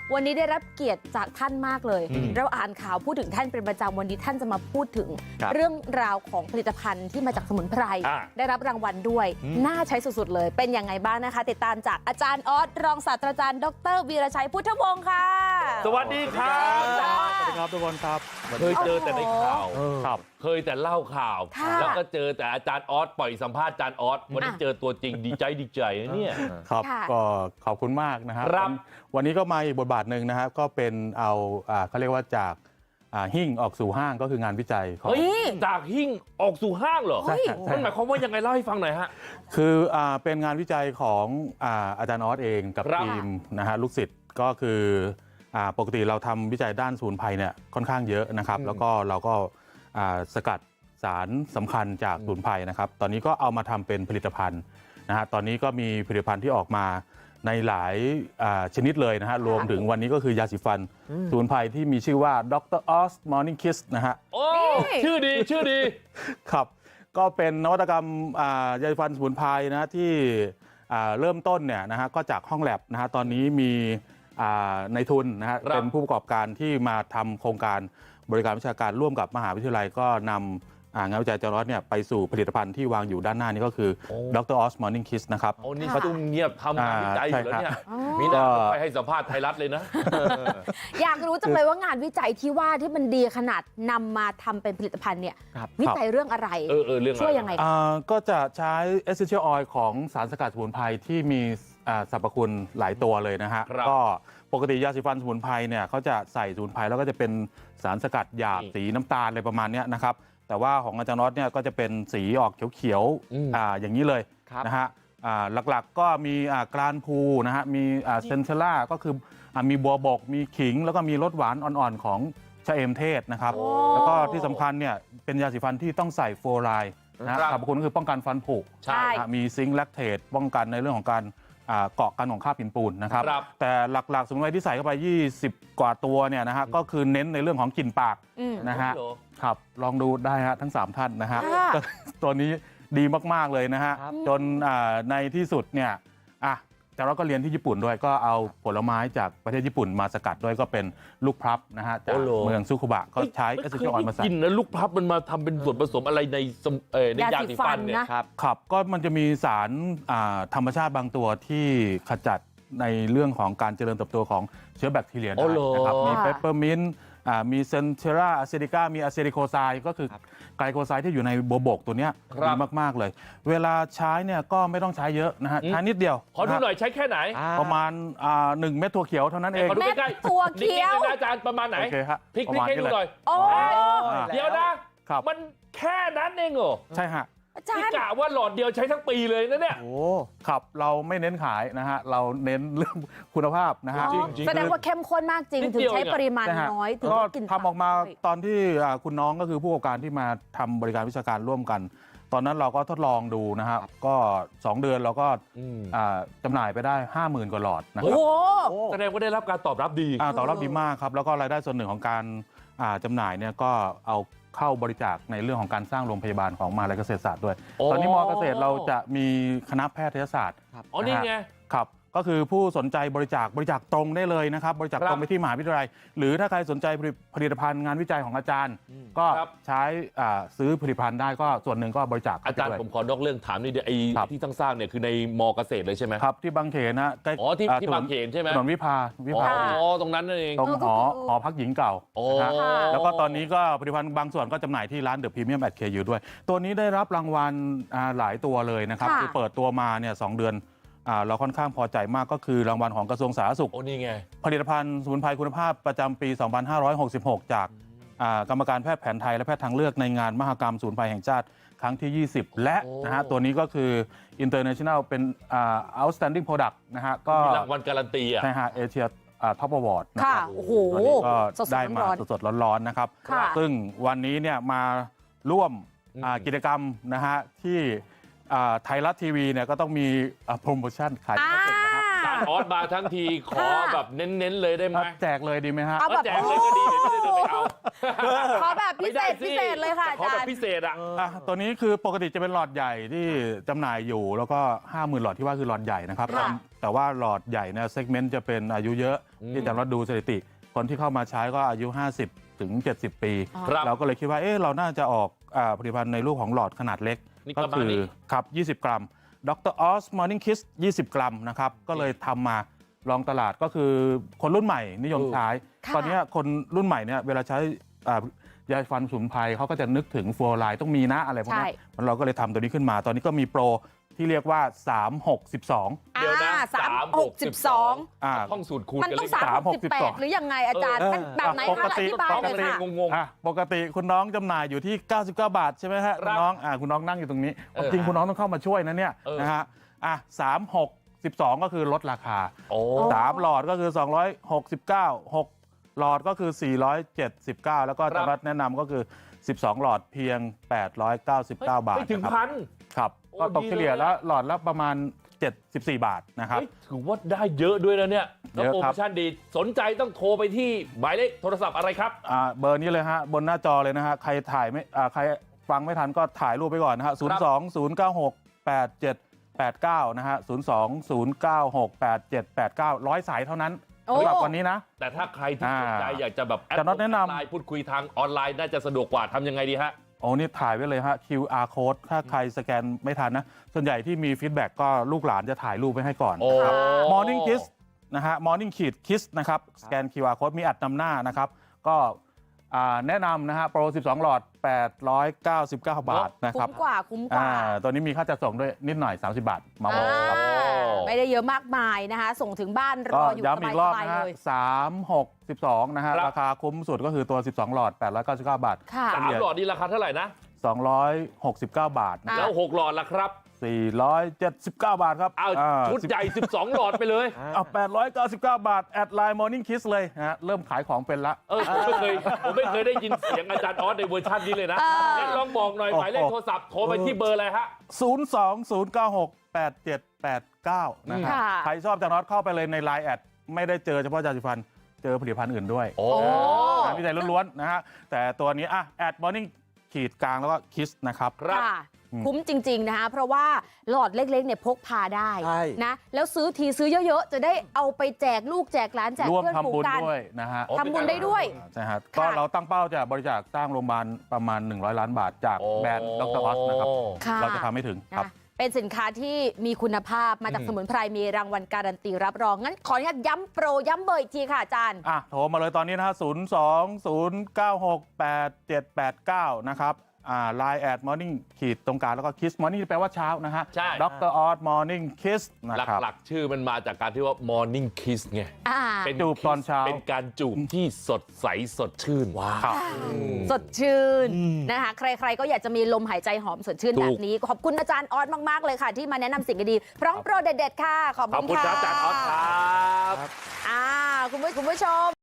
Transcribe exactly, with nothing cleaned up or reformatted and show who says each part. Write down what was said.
Speaker 1: วันนี้ได้รับเกียรติจากท่านมากเลยเราอ่านข่าวพูดถึงท่านเป็นประจำวันนี้ท่านจะมาพูดถึงเรื่องราวของผลิตภัณฑ์ที่มาจากสมุนไพรได้รับรางวัลด้วยน่าใช้สุดๆเลยเป็นยังไงบ้างนะคะติดตามจากอาจารย์ออสรองศาสตราจารย์ดรวีรชัยพุทธวงศ์ค่ะ
Speaker 2: สวัสดีครับ
Speaker 3: สวัสดีครับทุกคนครับ
Speaker 2: เคยเจอแต่ในข่าว
Speaker 3: ครับ
Speaker 2: เคยแต่เล่าข่าวแล้วก็เจอแต่อาจารย์ออสปล่อยสัมภาษณ์อาจารย์ออสวันนี้เจอตัวจริงดีใจดีใจนะเนี่ย
Speaker 3: ครับก็ขอบคุณมากนะครับวันนี้ก็มาอีกบทบาทหนึ่งนะครับก็เป็นเอาเขาเรียกว่าจากหิ้งออกสู่ห้างก็คืองานวิจัยของ
Speaker 2: จากหิ้งออกสู่ห้างเหรอมันหมายความว่ายังไงเล่าให้ฟังหน่อยฮะ
Speaker 3: คือเป็นงานวิจัยของอาจารย์ออสเองกับทีมนะฮะลูกศิษย์ก็คือปกติเราทำวิจัยด้านสมุนไพรเนี่ยค่อนข้างเยอะนะครับแล้วก็เราก็สกัดสารสำคัญจากสมุนไพรนะครับตอนนี้ก็เอามาทำเป็นผลิตภัณฑ์นะฮะตอนนี้ก็มีผลิตภัณฑ์ที่ออกมาในหลายชนิดเลยนะฮะรวมถึงวันนี้ก็คือยาสีฟันสมุนไพรที่มีชื่อว่าดรออสมอร์นิ่งคิสนะฮะ
Speaker 2: โอ้ชื่อดีชื่อดี
Speaker 3: ครับก็เป็นนวัตกรรมยาสีฟันสมุนไพรนะที่เริ่มต้นเนี่ยนะฮะก็จากห้องแลบนะฮะตอนนี้มีในทุนนะฮะเป็นผู้ประกอบการที่มาทำโครงการบริการวิชาการร่วมกับมหาวิทยาลัยก็นำงานวิจัยอาจารย์ออสเนี่ยไปสู่ผลิตภัณฑ์ที่วางอยู่ด้านหน้านี้ก็คือดรออสมอร์นิ่งคิสนะครับ
Speaker 2: โอ้นี่เขาต้องเงียบทำงานวิจัยอยู่แล้วเนี่ยมีแต่ไปให้สัมภาษณ์ไทยรัฐเลยนะ
Speaker 1: อยากรู้จังเลยว่างานวิจัยที่ว่าที่มันดีขนาดนำมาทำเป็นผลิตภัณฑ์เนี่ยวิจัยเรื่องอะไรช่วยยังไง
Speaker 3: ก็จะใช้ essential oil ของสารสกัดสมุนไพรที่มีสรรพคุณหลายตัวเลยนะฮะก็ปกติยาสีฟันสมุนไพรเนี่ยเขาจะใส่สมุนไพรแล้วก็จะเป็นสารสกัดหยาบสีน้ำตาลอะไรประมาณนี้นะครับแต่ว่าของอาจารย์น็อตเนี่ยก็จะเป็นสีออกเขียวๆ อ, อย่างนี้เลยนะฮะหลักๆก็มีกรานพูนะฮะมีเซนเทล่าก็คือมีบัวบกมีขิงแล้วก็มีรสหวานอ่อนๆของชะเอมเทศนะครับแล้วก็ที่สำคัญเนี่ยเป็นยาสีฟันที่ต้องใส่ฟลูออไรด์นะสรรพคุณก็คือป้องกันฟันผุมีซิงค์แลคเทตป้องกันในเรื่องของการเกาะกันของคราบหินปูนนะครับแต่หลักๆสมุนไพรที่ใส่เข้าไปยี่สิบกว่าตัวเนี่ยนะฮะก็คือเน้นในเรื่องของกลิ่นปากนะฮะครับลองดูได้ฮะทั้งสามท่านนะฮะตัวนี้ดีมากๆเลยนะฮะจนในที่สุดเนี่ยอ่ะแต่เราก็เรียนที่ญี่ปุ่นด้วยก็เอาผลไม้จากประเทศญี่ปุ่นมาสกัดด้วยก็เป็นลูกพลับนะฮะจากเมืองซุคุบะก็ใช้เอสเซนเชียลออยล์มาใส่
Speaker 2: กินแล้วลูกพลับมันมาทำเป็นส่วนผสมอะไรในในยาสีฟันเนี่ย
Speaker 3: ครับครับก็มันจะมีสารธรรมชาติบางตัวที่ขจัดในเรื่องของการเจริญเติบโตของเชื้อแบคทีเรียได้นะครับมีเปปเปอร์มินต์มีเซนเทราอะเซติกามีอะเซติโคไซด์ก็คือไกลโคไซด์ที่อยู่ในบัวบกตัวนี้ดีมากๆเลยเวลาใช้เนี่ยก็ไม่ต้องใช้เยอะนะฮะใช้นิดเดียว
Speaker 2: ขอดูหน่อยใช้แค่ไหน
Speaker 3: ประมาณหนึ่งเม็ดถั่วเขียวเท่านั้นเอง
Speaker 2: ขอดูใกล้
Speaker 1: ๆถั่วเขียว
Speaker 2: อาจารย์ประมาณไหนพลิกพลิกให้ดูหน่อยเดี๋ยวนะมันแค่นั้นเองเหรอ
Speaker 3: ใช่ฮะ
Speaker 2: ที่กะว่าหลอดเดียวใช้ทั้งปีเลยนะเนี่ย
Speaker 3: โอ้ครับเราไม่เน้นขายนะฮะเราเน้นเรื่องคุณภาพนะฮะ
Speaker 1: แสดงว่าเข้มข้นมากจริงถึงใช้ปริมาณน้อยถึง
Speaker 3: กินทำออกมาตอนที่คุณน้องก็คือผู้ประกอบการที่มาทำบริการวิชาการร่วมกันตอนนั้นเราก็ทดลองดูนะฮะก็สองเดือนเราก็จำหน่ายไปได้ ห้าหมื่น กว่าหลอดนะครับ
Speaker 2: แสดงว่าได้รับการตอบรับดี
Speaker 3: ตอบรับดีมากครับแล้วก็รายได้ส่วนหนึ่งของการจำหน่ายเนี่ยก็เอาเข้าบริจาคในเรื่องของการสร้างโรงพยาบาลของมหาวิทยาลัยเกษตรศาสตร์ด้วยตอนนี้มอเกษตรเราจะมีคณะแพทยศาสตร์
Speaker 2: อ๋อนี่ไง
Speaker 3: ครับก็คือผู้สนใจบริจาคบริจาคตรงได้เลยนะครับบริจาคตรงไปที่มหาวิทยาลัยหรือถ้าใครสนใจผลิตภัณฑ์งานวิจัยของอาจารย์ก็ใช้ซื้อผลิตภัณฑ์ได้ก็ส่วนหนึ่งก็บริจาค
Speaker 2: อาจารย์ผมขอนอกเรื่องถามนิดเดียวไอ้ที่สร้างๆเนี่ยคือในมอเกษตรเลยใช่ไหม
Speaker 3: ครับที่บางเขนนะ
Speaker 2: อ๋อที่ที่บางเขนใช่ไหม
Speaker 3: ถนนวิภาวิภา
Speaker 2: อ๋อตรงนั้นนั่นเอง
Speaker 3: ตรงหอหอพักหญิงเก่าแล้วก็ตอนนี้ก็ผลิตภัณฑ์บางส่วนก็จำหน่ายที่ร้านเดอะพรีเมียมแอทเคยูด้วยตัวนี้ได้รับรางวัลหลายตัวเลยนะครับคือเปิดตัวมาเนี่ยสองเดือนเราค่อนข้างพอใจมากก็คือรางวัลของกระทรวงสาธารณสุข
Speaker 2: โอ้นี่ไง
Speaker 3: ผลิตภัณฑ์สมุนไพรคุณภาพประจำปี สองพันห้าร้อยหกสิบหก จากกรรมการแพทย์แผนไทยและแพทย์ทางเลือกในงานมหกรรมสมุนไพรแห่งชาติครั้งที่ ยี่สิบ และนะฮะตัวนี้ก็คือ International เป็น Outstanding Product นะฮะก็
Speaker 2: มีรางวัลการันตีอ่ะ
Speaker 3: ใช่ฮะเอเชียท็อปอวอร์ด
Speaker 1: นะครับโอ้โห
Speaker 3: ก็ได้มาสดๆร้อนๆนะครับซึ่งวันนี้เนี่ยมาร่วมกิจกรรมนะฮะที่ไทยรัฐทีวีเนี่ยก็ต้องมีโปรโมชั่นขายเสร็จนะครับ
Speaker 2: ย์ออสมาทั้งทีขอแบบเน้นๆเลยได้ไหม
Speaker 3: แจกเลยดีไหมฮะ
Speaker 1: เอาแบบ
Speaker 2: แจกเลยก็ดีเดี๋ยวจะได้เดินไปเอา
Speaker 1: ขอแบบพิเศษพิเศษเลยค่ะอา
Speaker 2: ขอ
Speaker 1: จา
Speaker 2: แบ
Speaker 1: ร
Speaker 2: บ
Speaker 1: ย์
Speaker 2: พิเศษอ่ะ
Speaker 3: อ่ะตัวนี้คือปกติจะเป็นหลอดใหญ่ที่จำหน่ายอยู่ แล้วก็ ห้าหมื่น หลอดที่ว่าคือหลอดใหญ่นะครับ
Speaker 1: ค่ะ
Speaker 3: แต่ว่าหลอดใหญ่เนี่ยเซกเมนต์จะเป็นอายุเยอะ
Speaker 2: อืม
Speaker 3: ที่อาจารย์วัดดูสถิติ คนที่เข้ามาใช้ก็อายุ ห้าสิบ ถึง เจ็ดสิบ ปี
Speaker 2: ครับ
Speaker 3: เราก็เลยคิดว่าเอ๊ะเราน่าจะออกอ่าผลิตภัณฑ์ในรูปของหลอดขนาดเล็ก
Speaker 2: นี่
Speaker 3: ก็
Speaker 2: ประมาณ
Speaker 3: คือ
Speaker 2: นี้
Speaker 3: ครับ ยี่สิบ กรัมดรออสมอร์นิ่งคิสยี่สิบ กรัมนะครับ ก็เลยทำมาลองตลาดก็คือคนรุ่นใหม่นิยมใช้
Speaker 1: ค่ะ
Speaker 3: ตอนนี้คนรุ่นใหม่เนี่ยเวลาใช้อ่ายาฟันสมุนไพรเขาก็จะนึกถึงฟลูออไรด์ต้องมีนะอะไรพวกนี้
Speaker 1: ใช่
Speaker 3: มันเราก็เลยทำตัวนี้ขึ้นมา ตอนนี้ก็มีโปรที่เรียกว่า สาม หก สิบสอง
Speaker 2: เดี๋ยวนะ
Speaker 1: อ่าสามหกสิบสอง
Speaker 3: อ่า
Speaker 2: ท่องสูตรคูณ
Speaker 1: มัน
Speaker 2: กัน
Speaker 1: ต้อ
Speaker 2: เล
Speaker 1: ง
Speaker 2: ย
Speaker 1: สาม
Speaker 3: สาม
Speaker 1: ห
Speaker 3: ห
Speaker 1: ก
Speaker 3: ก
Speaker 1: สิบ
Speaker 3: สิบ
Speaker 1: แป
Speaker 3: สอ
Speaker 1: ด
Speaker 3: ง
Speaker 1: หรือยังไงอาจารย์
Speaker 3: เออ
Speaker 1: มันแบบไหน
Speaker 3: ป
Speaker 1: คะ
Speaker 3: กติ
Speaker 1: อธิบายเลยค่ะ
Speaker 2: งง
Speaker 3: อ่ะปกติคุณน้องจำหน่ายอยู่ที่ เก้าสิบเก้า บาทใช่ไหมฮะ
Speaker 2: ครั
Speaker 3: คุ
Speaker 2: บ
Speaker 3: ณน้องอ่าคุณน้องนั่งอยู่ตรงนี้
Speaker 2: เออ
Speaker 3: จริงคุณน้องต้องเข้ามาช่วยนะเนี่ย
Speaker 2: เออ
Speaker 3: นะฮะอ่ะสาม หก สิบสอง ก็คือลดราคา
Speaker 2: โอ้
Speaker 3: สามหลอดก็คือ สองร้อยหกสิบเก้า หก หลอดก็คือ สี่ร้อยเจ็ดสิบเก้า แล้วก็
Speaker 2: ครับ
Speaker 3: จำรัดแนะนำก็คือ สิบสอง หลอดเพียง แปดร้อยเก้าสิบเก้า บาท
Speaker 2: ไม่ถึง
Speaker 3: นะครับ
Speaker 2: พัน
Speaker 3: ครับ
Speaker 2: โอ้
Speaker 3: ก็ตก
Speaker 2: ดี
Speaker 3: เฉลี่ย
Speaker 2: เลย
Speaker 3: แล้วหลอดละประมาณ เจ็ดสิบสี่ บาทนะครับ
Speaker 2: เฮ้ยถือว่าได้เยอะด้วยนะเนี่ยแล้ว
Speaker 3: เยอะ
Speaker 2: โปร
Speaker 3: ครั
Speaker 2: โม
Speaker 3: บ
Speaker 2: ชั่นดีสนใจต้องโทรไปที่หมายเลขโทรศัพท์อะไรครับ
Speaker 3: อ่าเบอร์นี้เลยฮะบนหน้าจอเลยนะฮะใครถ่ายไม่อ่าใครฟังไม่ทันก็ถ่ายรูปไปก่อนนะฮะศูนย์สองศูนย์เก้าหกแปดเจ็ดแปดเก้านะฮะศูนย์สองศูนย์เก้าหกแปดเจ็ดแปดเก้าร้อยสายเท่านั้น
Speaker 1: โอ้
Speaker 3: สำหรับวันนี้นะ
Speaker 2: แต่ถ้าใครที่สนใจ
Speaker 3: อ่า
Speaker 2: อยากจะแบบแอด
Speaker 3: จะน็อตแนะนำ
Speaker 2: ไลน์พูดคุยทางออนไลน์น่าจะสะดวกกว่าทำยังไงดีฮะ
Speaker 3: โอ้นี่ถ่ายไว้เลยฮะ คิว อาร์ code ถ้าใครสแกนไม่ทันนะ ส่วนใหญ่ที่มีฟีดแบ็กก็ลูกหลานจะถ่ายรูปไว้ให้ก่อน
Speaker 2: โอ้
Speaker 3: นะครับ
Speaker 1: ค่ะ
Speaker 3: Morning Kiss นะฮะ Morning ขีด Kiss นะครับสแกน คิว อาร์ code มีอัดนำหน้านะครับ ก็อ่าแนะนำนะฮะโปรสิบสอง หลอด แปดร้อยเก้าสิบเก้า บาทนะครั
Speaker 1: คุ้
Speaker 3: บ
Speaker 1: มกว่าคุ้มกว่า
Speaker 3: อ่าตัวนี้มีค่าจัดส่งด้วยนิดหน่อย สามสิบบาท มาบอกครับ
Speaker 1: อ่าไม่ได้เยอะมากมายนะคะ ส่งถึงบ้านร
Speaker 3: ก็
Speaker 1: ออยู่
Speaker 3: ย้ำอีกรอบ
Speaker 1: สบาย
Speaker 3: นะ
Speaker 1: ๆ
Speaker 3: ฮะ
Speaker 1: เลย
Speaker 3: สาม หก สิบสอง นะฮะ
Speaker 2: ครับ
Speaker 3: ราคาคุ้มสุดก็คือตัว สิบสอง หลอด แปดร้อยเก้าสิบเก้า บาท
Speaker 1: ค่ะ
Speaker 2: สามหลอดนี่ราคาเท่าไหร่นะ
Speaker 3: สองร้อยหกสิบเก้า บาทนะ
Speaker 1: อ่ะ
Speaker 2: แล้วหกหลอดล่ะครับ
Speaker 3: สี่ร้อยเจ็ดสิบเก้า บาทครับ
Speaker 2: เอา
Speaker 3: อ่า
Speaker 2: ชุดใหญ่ สิบสอง หลอดไปเลย
Speaker 3: เอาแปดร้อยเก้าสิบเก้า บาท แอดไลน์ Morning Kiss เลยนะฮะ เริ่มขายของเป็นละ
Speaker 2: เออผมไม่เคยผมไม่เคยได้ยินเสียงอาจารย์ออสในเวอร์ชันนี้เลยนะ
Speaker 1: เออ
Speaker 2: งั้นลองบอกหน่อย
Speaker 3: โอ้
Speaker 2: หมายเลขโทรศัพท์โทรไปที่เบอร์อะไรฮะ
Speaker 3: ศูนย์ สอง ศูนย์ เก้า หก แปด เจ็ด แปด เก้า นะครับ
Speaker 1: ค่ะ
Speaker 3: ใครชอบจานอตเข้าไปเลยใน ไลน์ แอด ไม่ได้เจอเฉพาะจาสีฟัน เจอผลิตภัณฑ์อื่นด้วย
Speaker 2: โอ้
Speaker 1: โอ้
Speaker 3: งานวิจัยล้วนๆนะฮะ แต่ตัวนี้อ่ะแอด Morning ขีดกลางแล้วก็ Kiss นะครับ
Speaker 2: ครับ
Speaker 1: ค่ะ
Speaker 3: อืม
Speaker 1: คุ้มจริง ๆ นะคะ เพราะว่าหลอดเล็ก ๆ เนี่ยพกพาได้
Speaker 4: ใช่
Speaker 1: นะ แล้วซื้อทีซื้อเยอะ ๆ จะได้เอาไปแจกลูกแจกหลานแจก
Speaker 3: ร่วม
Speaker 1: เพื่อนฝู
Speaker 3: ทำบุ
Speaker 1: ง
Speaker 3: ญ
Speaker 1: กัน
Speaker 3: ด้วยนะฮะ
Speaker 2: โอ้
Speaker 1: ทำบุญได้ด้วย
Speaker 3: ใช่ฮะ
Speaker 1: ค่ะ
Speaker 3: ก็เราตั้งเป้าจะบริจาคสร้างโรงพยาบาลประมาณ หนึ่งร้อย ล้านบาทจากแบรนด์ดรออสนะครับ
Speaker 1: ค่ะ
Speaker 3: เราจะทำให้ถึงครับ
Speaker 1: นะเป็นสินค้าที่มีคุณภาพมาจาก
Speaker 2: อืม
Speaker 1: สมุนไพรมีรางวัลการันตีรับรอง งั้นขออนุญาตย้ำโปรย้ำเบอร์อีกทีค่ะอาจารย์
Speaker 3: อ่ะโทรมาเลยตอนนี้นะฮะศูนย์ สอง ศูนย์ เก้า หก แปด เจ็ด แปด เก้า นะครับ อ่า ไลน์ แอด Morning ขีดตรงกลางแล้วก็ Kiss Morning แปลว่าเช้านะฮะ
Speaker 2: ใช่
Speaker 3: ดรออส Morning Kiss นะครับ
Speaker 2: หลักๆ ชื่อมันมาจากการที่ว่า morning kiss ไง
Speaker 1: อ่า
Speaker 2: เป็น
Speaker 3: จูบตอนเช้า
Speaker 2: เป็นการจูบที่สดใสสดชื่นว้า
Speaker 3: ครับ
Speaker 1: สดชื่นนะคะ ใครๆก็อยากจะมีลมหายใจหอมสดชื่น
Speaker 2: ถูก
Speaker 1: แบบนี้ ขอบคุณอาจารย์ออสมากๆเลยค่ะ ที่มาแนะนำสิ่งดีๆพร้อมโปรเด็ดๆค่ะ ขอบ
Speaker 2: ขอบ
Speaker 1: คุณ
Speaker 2: คุณ
Speaker 1: ค่ะ
Speaker 2: ครับอาจารย์ออสครับ
Speaker 1: อ่าคุณผู้คุณผู้ชม